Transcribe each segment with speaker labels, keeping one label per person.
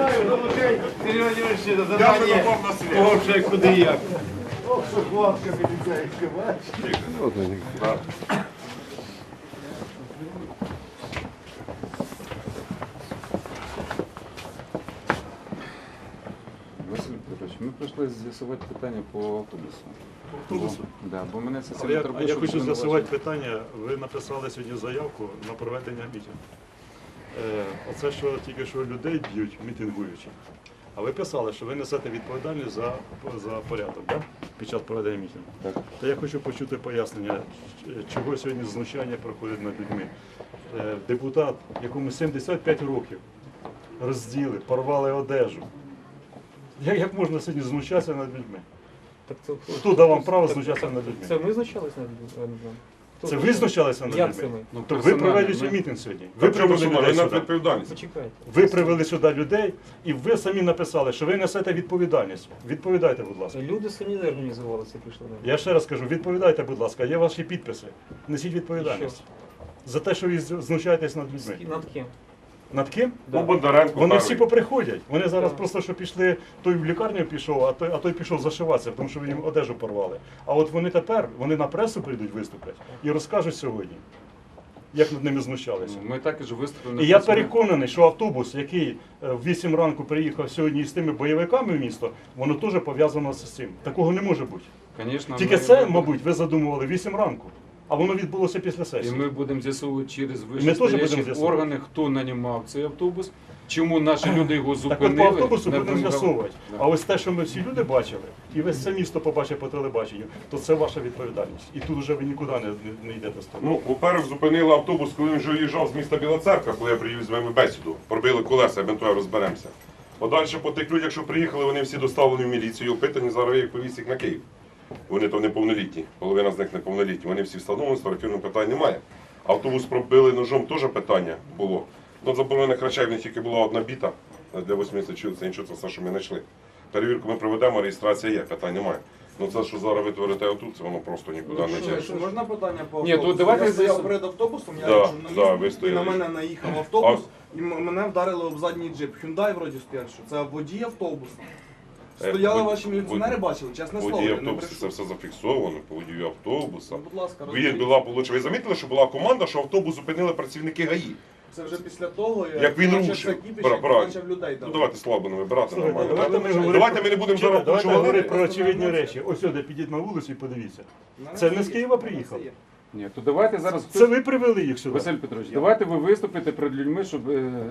Speaker 1: Сергій Володимирович, задання, кого вже куди і як.
Speaker 2: Ох, що хлопка міліцейська, бачиш?
Speaker 3: Василь Петрович, ми прийшли з'ясувати питання по автобусу.
Speaker 4: Автобусу?
Speaker 3: Да, бо мене це
Speaker 4: Я
Speaker 3: сильно турбує, щоб
Speaker 4: хочу
Speaker 3: ви
Speaker 4: з'ясувати
Speaker 3: не
Speaker 4: питання. Ви написали сьогодні заявку на проведення мітингу. Оце, що тільки що людей б'ють, мітингуючи. А ви писали, що ви несете відповідальність за порядок, да? Під час проведення мітингу.
Speaker 3: Так.
Speaker 4: То я хочу почути пояснення, чого сьогодні знущання проходить над людьми. Депутат, якому 75 років, розділи, порвали одежу. Як можна сьогодні знущатися над людьми?
Speaker 5: Так це
Speaker 4: Хто дав вам право знущатися над людьми?
Speaker 5: Це ми знущалися над людьми?
Speaker 4: Це ви знущалися над
Speaker 5: Як це
Speaker 4: людьми?
Speaker 5: ми?
Speaker 3: Ну,
Speaker 4: То ви
Speaker 3: персонально,
Speaker 4: провели
Speaker 3: ми-
Speaker 4: мітинг сьогодні. Ви привели людей сюди.
Speaker 5: Почекайте.
Speaker 4: Ви привели сюди людей, і ви самі написали, що ви несете відповідальність. Відповідайте, будь ласка.
Speaker 5: Люди самі не організувалися, прийшли на
Speaker 4: Я ще раз кажу, відповідайте, будь ласка, є ваші підписи. Несіть відповідальність. За те, що ви знущаєтесь над людьми.
Speaker 5: Над ким?
Speaker 4: Над ким?
Speaker 5: Да.
Speaker 4: Вони всі поприходять. Вони зараз просто що пішли, той в лікарню пішов, а той пішов зашиватися, тому що ви їм одежу порвали. А от вони тепер, вони на пресу прийдуть виступлять і розкажуть сьогодні, як над ними знущалися.
Speaker 3: Ну, ми також виступили.
Speaker 4: І я переконаний, що автобус, який в 8 ранку приїхав сьогодні з тими бойовиками в місто, воно теж пов'язано з цим. Такого не може бути.
Speaker 3: Конечно,
Speaker 4: Тільки
Speaker 3: ми-
Speaker 4: це, мабуть, ви задумували 8 ранку, а воно відбулося після
Speaker 3: І
Speaker 4: сесії.
Speaker 3: ми будемо з'ясовувати через
Speaker 4: теж будемо
Speaker 3: вищестоящі
Speaker 4: з'ясовувати.
Speaker 3: органи, хто нанімав цей автобус, чому наші люди його
Speaker 4: Так
Speaker 3: зупинили.
Speaker 4: от по автобусу
Speaker 3: не
Speaker 4: будемо
Speaker 3: вимагали.
Speaker 4: з'ясовувати.
Speaker 3: Да.
Speaker 4: А ось те, що ми всі люди бачили, і весь це місто побачив по телебаченню, то це ваша відповідальність. І тут вже ви нікуди не йдете з того.
Speaker 6: Ну, по-перше, зупинили автобус, коли він вже їжджав з міста Біла Церква, коли я привів з вами бесіду. Пробили колеса, евентуально розберемося. Подальше по тих людях, що приїхали, вони всі доставлені в міліцію, опитані, зараз їх повіз їх на Київ. Вони то неповнолітні, половина з них неповнолітні. Вони всі встановлені, сфотографірного питань немає. Автобус пробили ножом, теж питання було. Ну, заборонених речей в них тільки була одна біта для 80 чоловік, це нічого, це все, що ми знайшли. Перевірку ми проведемо, реєстрація є, питань немає. Ну це, що зараз ви творите отут, це воно просто нікуди не йде.
Speaker 7: Що, можна питання по
Speaker 3: Ні,
Speaker 7: автобусу?
Speaker 3: то давайте
Speaker 7: Я стояв
Speaker 3: з'ясуємо.
Speaker 7: перед автобусом, я
Speaker 6: Да,
Speaker 7: як
Speaker 6: да, ви
Speaker 7: журналіст, і
Speaker 6: стояли.
Speaker 7: на мене наїхав автобус, і мене вдарили об задній джип. Hyundai вроді спершу. Це водій автобуса. Стояли ваші міліціонери, бачили, чесне слово,
Speaker 6: Водій
Speaker 7: я не
Speaker 6: автобуса, це
Speaker 7: брешу.
Speaker 6: все зафіксовано, по водію автобуса.
Speaker 7: Ну, будь ласка,
Speaker 6: Ви була, ви замітили, що була команда, що автобус зупинили працівники ГАІ?
Speaker 7: Це вже після того,
Speaker 6: Як він
Speaker 7: почався
Speaker 6: рушив.
Speaker 7: кіпіш,
Speaker 6: Правильно.
Speaker 7: як почав людей
Speaker 6: Ну
Speaker 7: давати.
Speaker 6: давайте слабо не вибирати,
Speaker 4: Слухайте,
Speaker 6: нормально.
Speaker 4: давайте ми
Speaker 6: не будемо зараз
Speaker 4: Давайте
Speaker 6: почувати.
Speaker 4: говорити про очевидні речі. Ось сюди, підіть на вулицю і подивіться. Це не з Києва приїхав.
Speaker 3: Ні, то давайте зараз
Speaker 4: Це ви привели їх сюди.
Speaker 3: Василь Петрович, давайте ви виступите перед людьми, щоб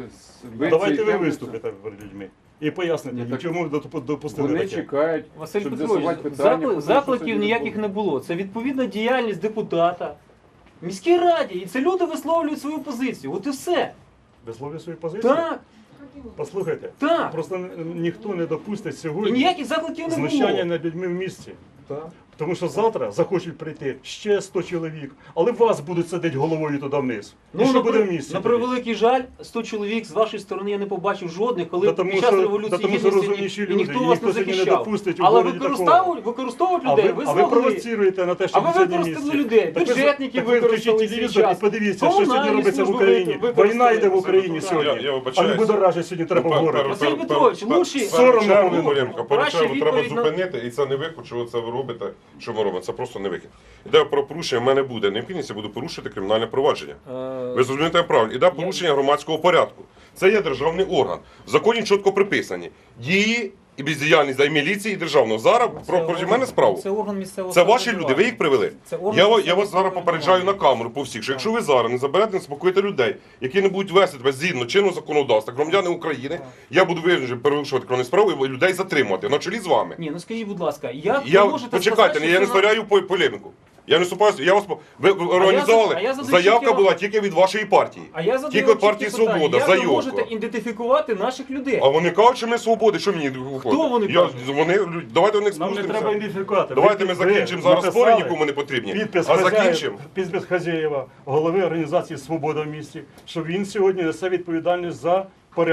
Speaker 3: ви
Speaker 4: Давайте
Speaker 3: ці
Speaker 4: ви
Speaker 3: теми-
Speaker 4: виступите перед людьми і поясните,
Speaker 3: Ні, так
Speaker 4: чому ви допустили
Speaker 3: Вони
Speaker 4: таке.
Speaker 3: чекають,
Speaker 5: Василь
Speaker 3: щоб
Speaker 5: Петрович,
Speaker 3: з'ясувати питання. про те, що
Speaker 5: закликів
Speaker 3: сьогодні
Speaker 5: ніяких не було. Це відповідна діяльність депутата. В міській раді. І це люди висловлюють свою позицію. От і все.
Speaker 4: Висловлює свою позицію?
Speaker 5: Так,
Speaker 4: Послухайте,
Speaker 5: так.
Speaker 4: просто ніхто не допустить
Speaker 5: І
Speaker 4: сьогодні
Speaker 5: ніяких закликів не
Speaker 4: знущання
Speaker 5: було.
Speaker 4: над людьми в місті.
Speaker 5: Так.
Speaker 4: Тому що завтра захочуть прийти ще 100 чоловік, але вас будуть сидіти головою туди вниз. І що буде в місті?
Speaker 5: на
Speaker 4: тоді?
Speaker 5: превеликий жаль, 100 чоловік з вашої сторони я не побачив жодних, коли
Speaker 4: Та тому
Speaker 5: під час
Speaker 4: що-
Speaker 5: революції
Speaker 4: та тому що
Speaker 5: Гідності
Speaker 4: розумніші
Speaker 5: і
Speaker 4: люди,
Speaker 5: ніхто
Speaker 4: і
Speaker 5: вас не
Speaker 4: ніхто сьогодні не
Speaker 5: захищав.
Speaker 4: допустить у
Speaker 5: Але
Speaker 4: городі
Speaker 5: використовують
Speaker 4: А
Speaker 5: людей,
Speaker 4: ви
Speaker 5: змогли.
Speaker 4: провоціруєте на те, що
Speaker 5: А ви використали людей, бюджетників
Speaker 4: ви включіть
Speaker 5: використали
Speaker 4: телевізор
Speaker 5: свій
Speaker 4: і
Speaker 5: час.
Speaker 4: подивіться, що
Speaker 5: Комунальні
Speaker 4: сьогодні робиться в
Speaker 5: служби
Speaker 4: Україні.
Speaker 5: використали
Speaker 4: Війна йде в
Speaker 5: свою
Speaker 4: Україні
Speaker 5: програму.
Speaker 4: сьогодні.
Speaker 6: Я
Speaker 4: А не
Speaker 6: вибачаюсь.
Speaker 4: будоражить сьогодні треба в городі.
Speaker 5: Василь Петрович, лучше-
Speaker 4: Соромно
Speaker 6: Поручаю,
Speaker 4: було.
Speaker 6: Оленко,
Speaker 5: Краще
Speaker 6: поручаю, треба
Speaker 5: відповідь на-
Speaker 6: зупинити, і це не виход, що це ви робите, що ми робимо. Це просто не вихід. Іде про порушення, в мене буде необхідність, я буду порушити кримінальне провадження. Ви зрозумієте правильно. Іде порушення громадського порядку. Це є державний орган. В законі чітко приписані дії і бездіяльність і міліції, і державного. Зараз проти мене справу.
Speaker 5: Це орган місцевого
Speaker 6: Це ваші
Speaker 5: самоврядування.
Speaker 6: люди, ви їх привели.
Speaker 5: Це орган
Speaker 6: Я вас
Speaker 5: місцевого
Speaker 6: зараз попереджаю на камеру по всіх, що якщо ви зараз не заберете, не спокоїте людей, які не будуть вести тебе згідно чинного законодавства, громадяни України, я буду перевищувати кримінальну справу і людей затримувати на чолі з вами.
Speaker 5: Ні, ну скажіть, будь ласка, як
Speaker 6: Я
Speaker 5: ви можете
Speaker 6: почекайте,
Speaker 5: сказати,
Speaker 6: я не
Speaker 5: що це
Speaker 6: створяю полеміку. Я не вступаю, я вас ви організували.
Speaker 5: а я задаю
Speaker 6: Заявка
Speaker 5: чіткі-
Speaker 6: була тільки від вашої партії.
Speaker 5: А я задаю
Speaker 6: Тільки від
Speaker 5: чіткі
Speaker 6: партії
Speaker 5: питання.
Speaker 6: Свобода,
Speaker 5: Як ви
Speaker 6: заявка.
Speaker 5: можете ідентифікувати наших людей?
Speaker 6: А вони кажуть, що ми свободи, що мені виходить?
Speaker 5: Хто вони кажуть?
Speaker 6: Давайте у них
Speaker 4: Нам не треба
Speaker 6: спустимося.
Speaker 4: ідентифікувати.
Speaker 6: Давайте ми
Speaker 4: Ви
Speaker 6: закінчимо зараз
Speaker 4: написали
Speaker 6: спори, нікому не потрібні.
Speaker 4: Підпис
Speaker 6: А закінчимо.
Speaker 4: Підпис Хазєєва, голови організації «Свобода в місті», що він сьогодні несе відповідальність за порядок.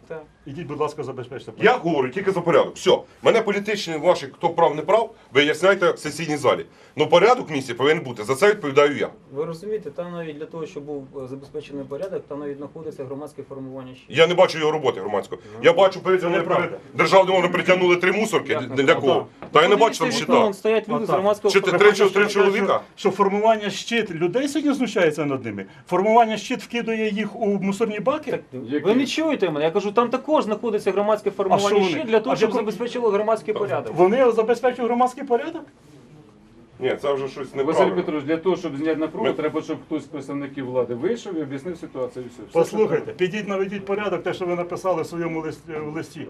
Speaker 5: Так.
Speaker 4: Ідіть, будь ласка, забезпечте.
Speaker 6: Я говорю тільки за порядок. Все, мене політичні ваші, хто прав, не прав, виясняйте в сесійній залі. Ну порядок в місті повинен бути, за це відповідаю я.
Speaker 5: Ви розумієте, там навіть для того, щоб був забезпечений порядок, там навіть знаходиться громадське формування ще.
Speaker 6: Я не бачу його роботи громадської. Я бачу, перед державним органом притягнули 3 мусорки, для кого? Та я не бачу там щита.
Speaker 5: Вон стоять люди з громадського
Speaker 6: Чи ти
Speaker 5: формування.
Speaker 6: три чоловіка?
Speaker 4: Що формування щит людей сьогодні знущається над ними? Формування щит вкидує їх у мусорні баки?
Speaker 5: Так, ви не чуєте мене? Я кажу, там також знаходиться громадське формування
Speaker 4: вони?
Speaker 5: ще для того,
Speaker 4: А
Speaker 5: щоб
Speaker 4: в якому-
Speaker 5: забезпечило громадський порядок.
Speaker 4: Вони забезпечують громадський порядок?
Speaker 6: Ні, це вже щось
Speaker 3: Василь
Speaker 6: неправильно.
Speaker 3: Петрович, для того, щоб зняти напругу,
Speaker 6: Ми-
Speaker 3: треба, щоб хтось з представників влади вийшов і об'яснив ситуацію. І все. Все, що
Speaker 4: Послухайте,
Speaker 3: треба.
Speaker 4: підіть наведіть порядок, те, що ви написали в своєму листі.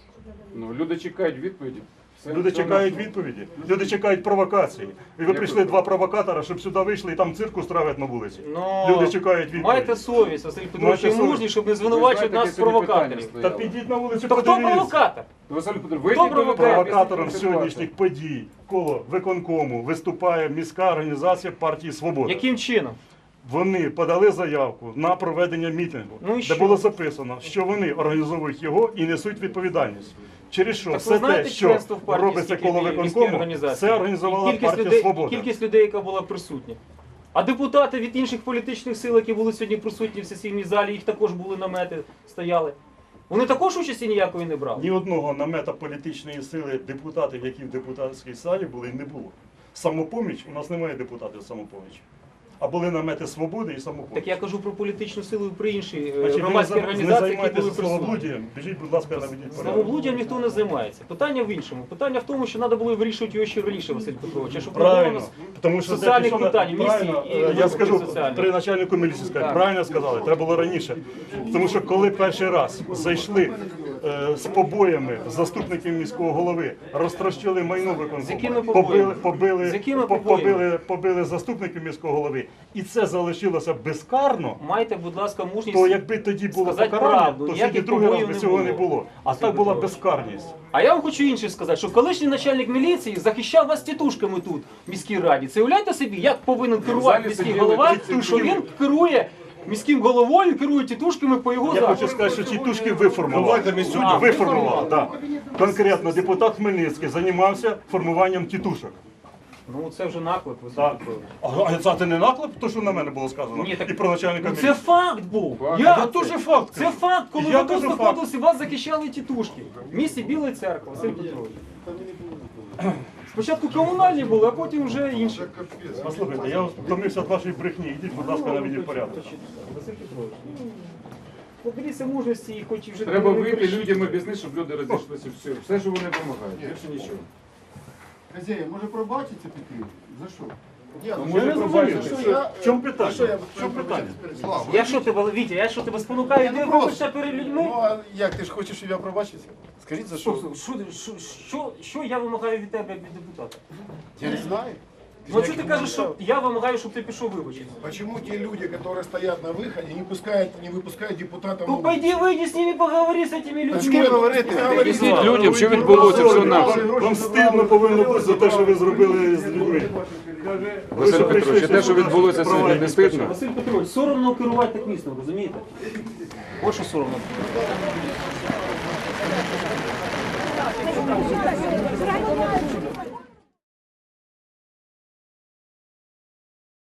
Speaker 3: Ну, люди чекають відповіді. Все,
Speaker 4: Люди
Speaker 3: все
Speaker 4: чекають
Speaker 3: наше.
Speaker 4: відповіді, люди чекають провокації. І ви прийшли 2 провокатора, щоб сюди вийшли і там цирк устраивать на вулиці.
Speaker 5: Ну,
Speaker 4: Люди чекають відповіді.
Speaker 5: Майте совість, Василь Петрович,
Speaker 4: Майте
Speaker 5: і
Speaker 4: совість.
Speaker 5: мужність, щоб не
Speaker 3: Ви
Speaker 5: звинувачувати
Speaker 3: знаєте,
Speaker 5: нас з
Speaker 3: яке сьогодні
Speaker 5: провокаторів.
Speaker 3: питання
Speaker 4: Та
Speaker 3: стояло?
Speaker 4: підіть на вулицю,
Speaker 5: То хто
Speaker 4: подивіться.
Speaker 5: провокатор?
Speaker 3: Василь Петрович,
Speaker 5: Хто
Speaker 3: вийдіть до людей,
Speaker 5: провокатор?
Speaker 4: Провокатором
Speaker 3: об'ясніть ситуацію.
Speaker 4: сьогоднішніх подій коло виконкому виступає міська організація партії «Свобода».
Speaker 5: Яким чином?
Speaker 4: Вони подали заявку на проведення мітингу,
Speaker 5: Ну і
Speaker 4: де
Speaker 5: що?
Speaker 4: було записано, що вони організовують його і несуть відповідальність. Через що
Speaker 5: Так ви
Speaker 4: все
Speaker 5: знаєте
Speaker 4: те, що
Speaker 5: членство в партії,
Speaker 4: робиться
Speaker 5: скільки
Speaker 4: коло
Speaker 5: в міській
Speaker 4: виконкому,
Speaker 5: організації?
Speaker 4: це організувала
Speaker 5: І кількість
Speaker 4: партія
Speaker 5: людей,
Speaker 4: «Свобода».
Speaker 5: і кількість людей, яка була присутня. А депутати від інших політичних сил, які були сьогодні присутні в сесійній залі, їх також були намети, стояли. Вони також участі ніякої не брали.
Speaker 4: Ні одного намета політичної сили депутатів, які в депутатській залі були, не було. Самопоміч, у нас немає депутатів самопомічі. А були намети «Свободи» і самопоміч.
Speaker 5: Так я кажу про політичну силу і про інші
Speaker 4: Значить,
Speaker 5: громадські
Speaker 4: ви не
Speaker 5: організації, які були
Speaker 4: займайтеся
Speaker 5: присутні.
Speaker 4: словоблуддям, біжіть, будь ласка, наведіть порядок.
Speaker 5: Словоблуддям ніхто не займається. Питання в іншому. Питання в тому, що треба було вирішувати його ще раніше, Василь Петрович. А щоб не було у
Speaker 4: Правильно,
Speaker 5: нас
Speaker 4: тому що
Speaker 5: соціальних
Speaker 4: це пішло на-
Speaker 5: питань, місії
Speaker 4: правильно,
Speaker 5: і
Speaker 4: я
Speaker 5: виборів
Speaker 4: скажу
Speaker 5: соціальних.
Speaker 4: при начальнику міліції сказати,
Speaker 5: Так.
Speaker 4: правильно сказали, треба було раніше. Тому що коли перший раз зайшли з побоями заступників міського голови, розтрощили майно
Speaker 5: З якими
Speaker 4: виконкому,
Speaker 5: побоями? З якими побоями?
Speaker 4: побили заступників міського голови, і це залишилося безкарно,
Speaker 5: Майте, будь ласка, мужність.
Speaker 4: то якби тоді було
Speaker 5: сказати
Speaker 4: покарання,
Speaker 5: правду,
Speaker 4: то сьогодні
Speaker 5: ніяких
Speaker 4: другий раз
Speaker 5: побоїв
Speaker 4: би
Speaker 5: не
Speaker 4: цього
Speaker 5: було.
Speaker 4: не було. А
Speaker 5: Василь
Speaker 4: так була
Speaker 5: Петрович.
Speaker 4: безкарність.
Speaker 5: А я вам хочу інше сказати, що колишній начальник міліції захищав вас тітушками тут, в міській раді. Це уявляєте собі, як повинен керувати
Speaker 3: залі
Speaker 5: міський
Speaker 3: сиділи
Speaker 5: голова,
Speaker 3: тітушки.
Speaker 5: що він керує міським головою, керує тітушками по його
Speaker 4: Я
Speaker 5: захисту.
Speaker 4: хочу сказати, що ті тушки виформували.
Speaker 6: Давайте ми сьогодні
Speaker 4: Виформували, так. Конкретно депутат Хмельницький займався формуванням тітушок.
Speaker 5: Ну це вже наклеп, Василь
Speaker 4: Так.
Speaker 5: Петрович.
Speaker 4: А це не наклеп, то що на мене було сказано?
Speaker 5: Ні, так-
Speaker 4: І про начальника
Speaker 5: Ну це
Speaker 4: міліції.
Speaker 5: факт був.
Speaker 3: Факт.
Speaker 5: Як
Speaker 4: Я теж факт
Speaker 5: Це
Speaker 4: кажу.
Speaker 5: факт, коли
Speaker 4: Я
Speaker 5: ви тут
Speaker 4: кажу факт.
Speaker 5: знаходилися, вас захищали тітушки. В місті Біла Церква, Василь Петрович. Спочатку комунальні були, а потім вже інші.
Speaker 4: Послухайте, я втомився від вашої брехні. Ідіть, будь ласка, наведіть порядок.
Speaker 5: Василь Петрович, поберіться мужності і хоч і вже
Speaker 3: Треба
Speaker 5: не
Speaker 3: вийти
Speaker 5: кричіть.
Speaker 3: людям об'яснити, щоб люди розійшлися. Все, що вони вимагають. Більше нічого.
Speaker 2: Хазяїн, може пробачиться піти? За що?
Speaker 4: Може,
Speaker 2: не
Speaker 4: пробачити.
Speaker 2: зрозумів.
Speaker 4: В чому питання? В чому питання?
Speaker 2: Слава.
Speaker 5: Я що тебе, Вітя, я що тебе спонукаю,
Speaker 2: Я
Speaker 5: ти
Speaker 2: не
Speaker 5: вибачся перед людьми?
Speaker 2: Ну, а як ти ж хочеш, щоб я пробачився? Скажіть, за що?
Speaker 5: Що я вимагаю від тебе, як від депутата?
Speaker 2: Я не знаю.
Speaker 5: Ну а що ти кажеш, що я вимагаю, щоб ти пішов вибачитися?
Speaker 2: Почему те люди, которые стоят на выходе, не выпускают депутатов?
Speaker 5: Ну пойди выйди с ними, поговори с этими
Speaker 2: З
Speaker 5: людьми.
Speaker 2: ким говорити?
Speaker 3: Об'ясніть людям, що відбулося все нас.
Speaker 4: Вам стидно повинно бути за те, що ви зробили з людьми.
Speaker 3: Василь Петрович, те, що відбулося сьогодні, не стидно?
Speaker 5: Василь Петрович, соромно керувати так містом, розумієте? Ось що соромно.